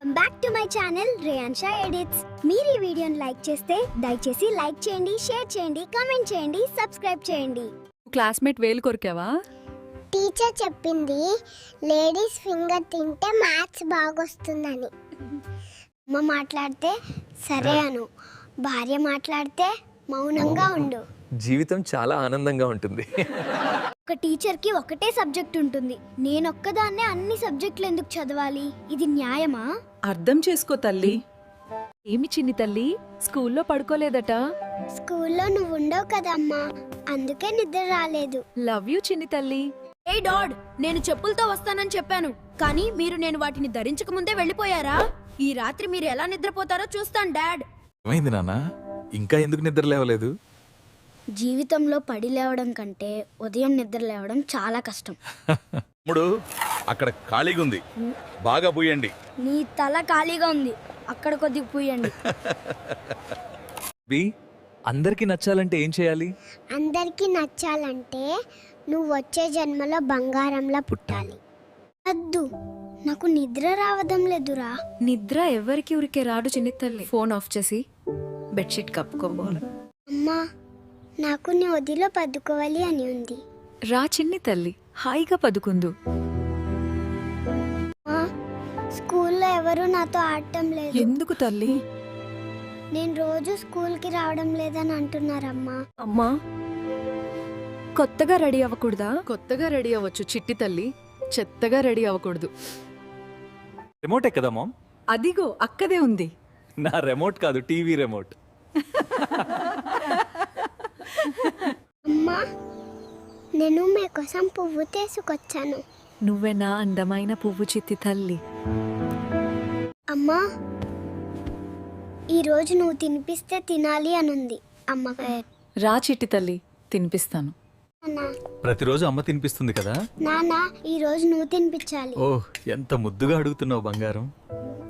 Back to my channel Reyansha edits. మీరు ఈ వీడియోని లైక్ చేస్తే దయచేసి లైక్ చేయండి, షేర్ చేయండి, కామెంట్ చేయండి, సబ్స్క్రైబ్ చేయండి. క్లాస్మేట్ వేలు కొరికావా? టీచర్ చెప్పింది లేడీస్ ఫింగర్ తింటే మ్యాథ్స్ బాగొస్తుందని. అమ్మ మాట్లాడితే సరే అను, భార్య మాట్లాడితే మౌనంగా ఉండు. జీవితం చాలా ఆనందంగా ఉంటుంది. ఒక టీచర్కి ఒకటే సబ్జెక్ట్ ఉంటుంది. నేనొక్కదాన్నే అన్ని సబ్జెక్టులు ఎందుకు చదవాలి? ఇది న్యాయమా? అర్థం చేసుకో తల్లి. ఏమి చిన్ని తల్లి, స్కూల్లో పడుకోలేదట? స్కూల్లో నువ్వు ఉండవు కదమ్మా, అందుకే నిద్ర రాలేదు. లవ్ యూ చిన్ని తల్లి. ఏ డాడ్, నేను చెప్పులతో వస్తానని చెప్పాను, కానీ మీరు నేను వాటిని ధరించక ముందే వెళ్ళిపోయారా? ఈ రాత్రి మీరు ఎలా నిద్రపోతారో చూస్తాను డాడ్. ఏమైంది నాన్న, ఇంకా ఎందుకు నిద్ర లేవలేదు? జీవితంలో పడి లేవడం కంటే ఉదయం నిద్ర లేవడం చాలా కష్టం. తమ్ముడు, అక్కడ ఖాళీగా ఉంది, బాగా పూయండి. నీ తల ఖాళీగా ఉంది, అక్కడ కొద్దిగా పూయండి. బి, అందరికి నచ్చాలంటే ఏం చేయాలి? అందరికీ నచ్చాలంటే నువ్వు వచ్చే జన్మలో బంగారంలా పుట్టాలి. వద్దు, నాకు నిద్ర రావడం లేదురా. నిద్ర ఎవరికి ఊరికే రాడు చిన్ని తల్లి. ఫోన్ ఆఫ్ చేసి బెడ్షీట్ కప్పుకోవాలి. అమ్మా, నాకు నీ ఒదిలో పదుకోవాలి అని ఉంది. రా చిన్ని తల్లి, హాయిగా పదుకుందు. అమ్మా, స్కూల్లో ఎవరు నాతో ఆడటం లేదు. ఎందుకు తల్లి? నేను రోజు స్కూల్కి రావడం లేదని అంటున్నారమ్మా. అమ్మా, కొత్తగా రెడీ అవ్వకూడదా? కొత్తగా రెడీ అవ్వచ్చు చిట్టి తల్లి, చెత్తగా రెడీ అవ్వకూడదు. రిమోటే కదా మామ్? అదిగో అక్కదే ఉంది. నా రిమోట్ కాదు, టీవీ రిమోట్. అమ్మా, నేను మీకోసం పువ్వు తీసుకొచ్చాను. నువ్వే నా అందమైన పువ్వు చిట్టి తల్లి. అమ్మా, ఈరోజు నువ్వు తినిపిస్తే తినాలి అనుంది అమ్మకి. రా చిట్టి తల్లి, తినిపిస్తాను. నాన్న, ప్రతిరోజు అమ్మ తినిపిస్తుంది కదా? నాన్న, ఈరోజు నువ్వు తినిపించాలి. ఓహ్, ఎంత ముద్దుగా అడుగుతున్నావు బంగారం.